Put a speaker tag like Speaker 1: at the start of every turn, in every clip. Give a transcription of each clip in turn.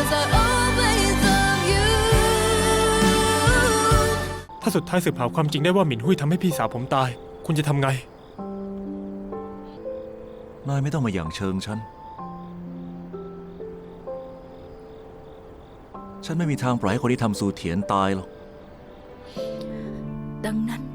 Speaker 1: ถ้าสุดท้ายสืบหาความจริงได้ว่าหมินหุ้ยทำให้พี่สาวผมตายคุณจะทำไง
Speaker 2: นายไม่ต้องมาหยั่งเชิงฉันไม่มีทางปล่อยให้คนที่ทำซูเถียนตายหรอก
Speaker 3: ดังนั้น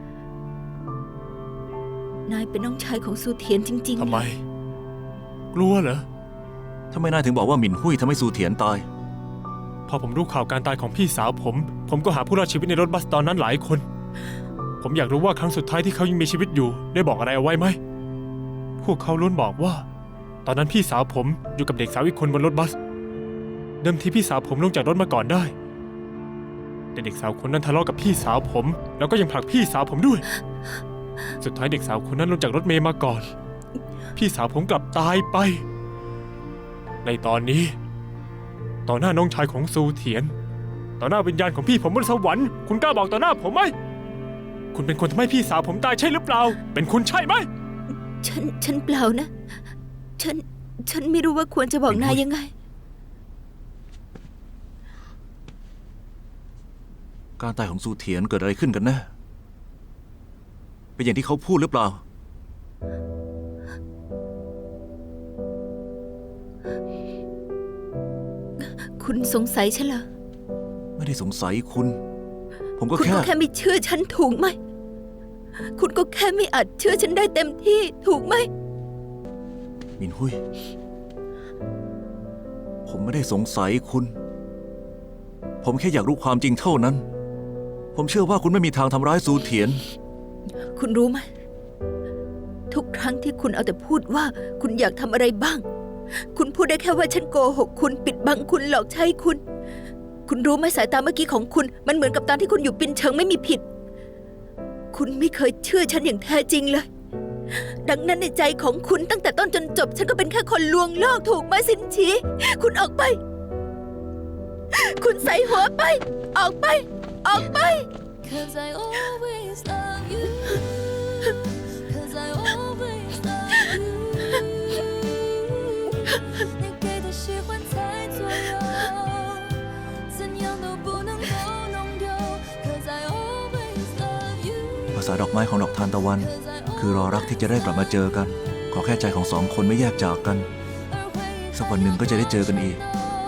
Speaker 3: นายเป็นน้องชายของซูเถียนจริงๆ
Speaker 1: ทำไมกลัวเหรอ
Speaker 2: ทำไมนายถึงบอกว่าหมินหุ้ยทำให้ซูเถียนตาย
Speaker 1: พอผมรู้ข่าวการตายของพี่สาวผมก็หาผู้รอดชีวิตในรถบัสตอนนั้นหลายคนผมอยากรู้ว่าครั้งสุดท้ายที่เขายังมีชีวิตอยู่ได้บอกอะไรเอาไว้ไหมพวกเขาล้วนบอกว่าตอนนั้นพี่สาวผมอยู่กับเด็กสาวอีกคนบนรถบัสเดิมทีพี่สาวผมลงจากรถมาก่อนได้แต่เด็กสาวคนนั้นทะเลาะกับพี่สาวผมแล้วก็ยังผลักพี่สาวผมด้วยสุดท้ายเด็กสาวคนนั้นลงจากรถเมล์มาก่อนพี่สาวผมกลับตายไปในตอนนี้ต่อหน้าน้องชายของซูเถียนต่อหน้าวิญญาณของพี่ผมบนสวรรค์คุณกล้าบอกต่อหน้าผมไหมคุณเป็นคนทำให้พี่สาวผมตายใช่หรือเปล่าเป็นคุณใช่ไหม
Speaker 3: ฉันเปล่านะฉันไม่รู้ว่าควรจะบอกนายยังไง
Speaker 2: การตายของซูเถียนเกิดอะไรขึ้นกันแน่เป็นอย่างที่เขาพูดหรือเปล่า
Speaker 3: คุณสงสัยฉันเหรอ
Speaker 2: ไม่ได้สงสัยคุณผมก็
Speaker 3: แค่ไม่เชื่อฉันถูกไหมคุณก็แค่ไม่อาจเชื่อฉันได้เต็มที่ถูกไหม
Speaker 2: มินหุ้ยผมไม่ได้สงสัยคุณผมแค่อยากรู้ความจริงเท่านั้นผมเชื่อว่าคุณไม่มีทางทำร้ายซูเถียน
Speaker 3: คุณรู้ไหมทุกครั้งที่คุณเอาแต่พูดว่าคุณอยากทำอะไรบ้างคุณพูดได้แค่ว่าฉันโกหกคุณปิดบังคุณหลอกใช้คุณรู้ไหมสายตาเมื่อกี้ของคุณมันเหมือนกับตอนที่คุณอยู่ปินเชิงไม่มีผิดคุณไม่เคยเชื่อฉันอย่างแท้จริงเลยดังนั้นในใจของคุณตั้งแต่ต้นจนจบฉันก็เป็นแค่คนลวงโลกถูกไหมสินชีคุณออกไปคุณใส่หัวไปออกไป
Speaker 2: ภาษาดอกไม้ของดอกทานตะวันคือรอรักที่จะได้กลับมาเจอกันขอแค่ใจของสองคนไม่แยกจากกันสักวันหนึ่งก็จะได้เจอกันอีก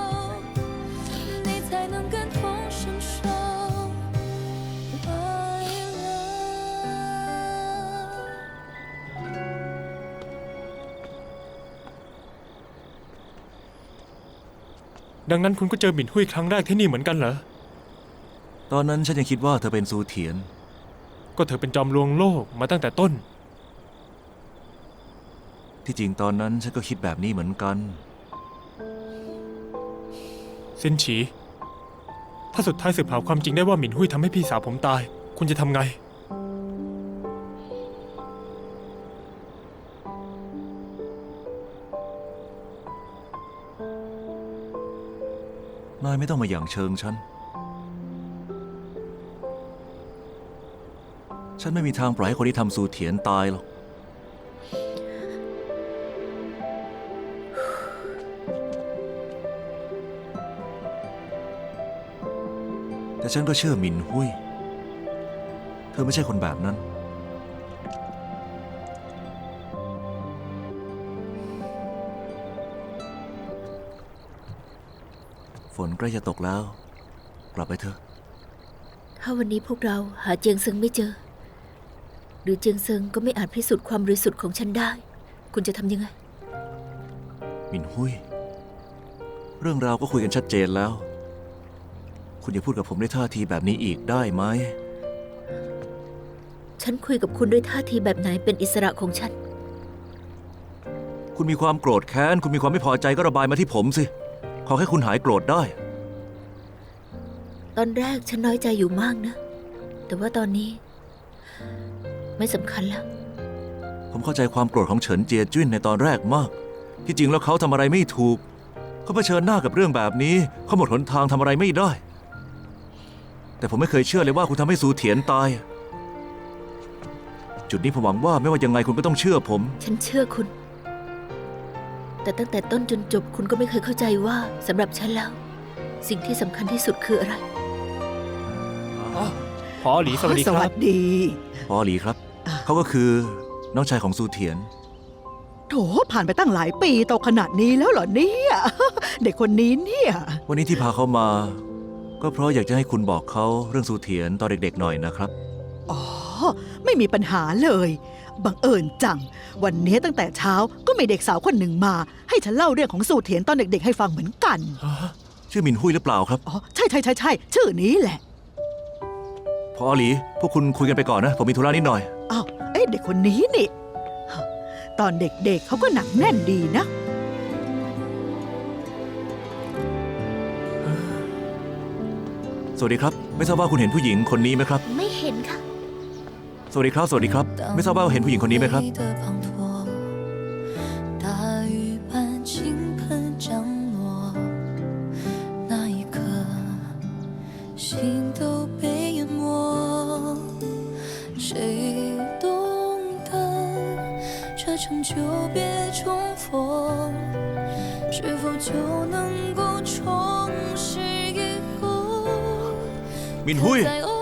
Speaker 1: ดังนั้นคุณก็เจอหมินหุ้ยครั้งแรกที่นี่เหมือนกันเหรอ
Speaker 2: ตอนนั้นฉันยังคิดว่าเธอเป็นซูเถียน
Speaker 1: ก็เธอเป็นจอมลวงโลกมาตั้งแต่ต้น
Speaker 2: ที่จริงตอนนั้นฉันก็คิดแบบนี้เหมือนกัน
Speaker 1: ซินฉีถ้าสุดท้ายสืบหาความจริงได้ว่าหมินหุ้ยทำให้พี่สาวผมตายคุณจะทำไง
Speaker 2: นายไม่ต้องมาหยั่งเชิงฉันไม่มีทางปล่อยให้คนที่ทำซูเถียนตายหรอกแต่ฉันก็เชื่อหมินหุ้ยเธอไม่ใช่คนแบบนั้นฝนใกล้จะตกแล้วกลับไปเถอะ
Speaker 3: ถ้าวันนี้พวกเราหาเจียงเซิงไม่เจอหรือเจียงเซิงก็ไม่อาจพิสูจน์ความบริสุทธิ์ของฉันได้คุณจะทำยังไง
Speaker 2: หมินหุ้ยเรื่องราวก็คุยกันชัดเจนแล้วคุณอย่าพูดกับผมด้วยท่าทีแบบนี้อีกได้ไหม
Speaker 3: ฉันคุยกับคุณด้วยท่าทีแบบไหนเป็นอิสระของฉัน
Speaker 2: คุณมีความโกรธแค้นคุณมีความไม่พอใจก็ระบายมาที่ผมสิขอแค่คุณหายโกรธได้
Speaker 3: ตอนแรกฉันน้อยใจอยู่มากนะแต่ว่าตอนนี้ไม่สำคัญแล้ว
Speaker 2: ผมเข้าใจความโกรธของเฉินเจียจิ้นในตอนแรกมากที่จริงแล้วเขาทำอะไรไม่ถูกเขาเผชิญหน้ากับเรื่องแบบนี้เขาหมดหนทางทำอะไรไม่ได้แต่ผมไม่เคยเชื่อเลยว่าคุณทำให้ซูเถียนตายจุดนี้ผมหวังว่าไม่ว่ายังไงคุณก็ต้องเชื่อผม
Speaker 3: ฉันเชื่อคุณแต่ตั้งแต่ต้นจนจบคุณก็ไม่เคยเข้าใจว่าสำหรับฉันแล้ว สิ่งที่สำคัญที่สุดคืออะไร
Speaker 1: พอหลีสวัสดี
Speaker 4: ส
Speaker 1: ค
Speaker 4: วั
Speaker 1: รับ
Speaker 4: สดี
Speaker 2: พอหลีครับ เขาก็คือน้องชายของซูเถียน
Speaker 4: โถผ่านไปตั้งหลายปีโตขนาดนี้แล้วเหรอเนี่ย เด็กคนนี้เนี่ย
Speaker 2: วันนี้ที่พาเขามา ก็เพราะอยากจะให้คุณบอกเขาเรื่องซูเถียนตอนเด็กๆหน่อยนะครับ
Speaker 4: อ๋อ ไม่มีปัญหาเลย บังเอิญจัง วันนี้ตั้งแต่เช้าก็มีเด็กสาวคนหนึ่งมา ให้ฉันเล่าเรื่องของสู่เถียนตอนเด็กๆให้ฟังเหมือนกัน
Speaker 2: ชื่อหมินหุยหรือเปล่าครับ
Speaker 4: อ๋อ ใช่ใช่ใช่ใช่ชื่อนี้แหละ
Speaker 2: พอหลี พวกคุณคุยกันไปก่อนนะ ผมมีธุระนิดหน่อย
Speaker 4: อ้าวเอ๊ะเด็กคนนี้นี่ ตอนเด็กๆเขาก็หนักแน่นดีนะ
Speaker 2: สวัสดีครับ ไม่ทราบว่าคุณเห็นผู้หญิงคนนี้ไหมครับ
Speaker 3: ไม่เห็นค่ะ
Speaker 2: สวัสดีครับ สวัสดีครับ ไม่ทราบว่าเห็นผู้หญิงคนนี้ไหมครับ
Speaker 5: 大雨般倾盆降落，那一刻，心都被淹没。谁懂得这场久别重逢，是否就能够重拾以后？
Speaker 2: มินหุย
Speaker 5: 在偶